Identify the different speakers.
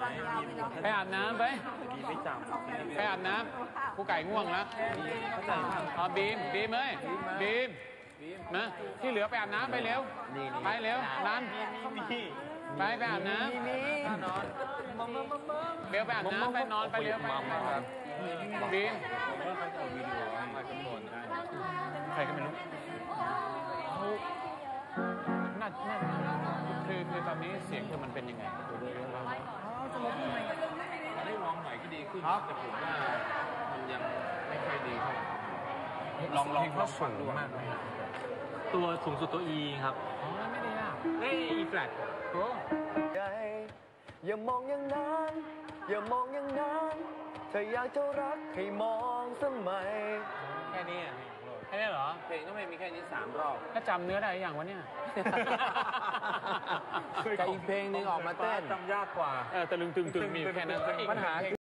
Speaker 1: ไปอาบน้ำไปอาบน้ำผู้ไก่ง่วงแล้วอ๋อบีมเอ้ยบีมนะที่เหลือไปอาบน้ำไปเร็วไปเร็วนั้นไปอาบน้ำเบลไปอาบน้ำไปนอนไปเร็วไปบีมใครก็ไม่รู้น่าคือตอนนี้เสียงเธอมันเป็นยังไง
Speaker 2: จะลดยังไงได้ลองหน่อยก็ดีขึ้นแต่ผมว่ามันยังไม่ค่อยดีเท่าไหร่ลองเขาสูงมากตัวสูงสุดตัว E ครับ
Speaker 1: อ๋อไม่ได้ยาก
Speaker 2: E flat
Speaker 1: โอ้
Speaker 3: อย่ามองอย่างนั้นอย่ามองอย่างนั้นเธออยากจะรักให้มองสมัย
Speaker 2: แค่นี้
Speaker 1: เหรอ
Speaker 2: เพลงก็ไม่มีแค่นี้3 รอบ
Speaker 1: ถ้าจำเนื้อได้อย่างวะเนี่ย
Speaker 3: แต่อีกเพลงนึงออกมาเต้น
Speaker 2: จำยากกว่า
Speaker 1: ตะลึงตึงมีแค่นั้น
Speaker 3: ปัญหา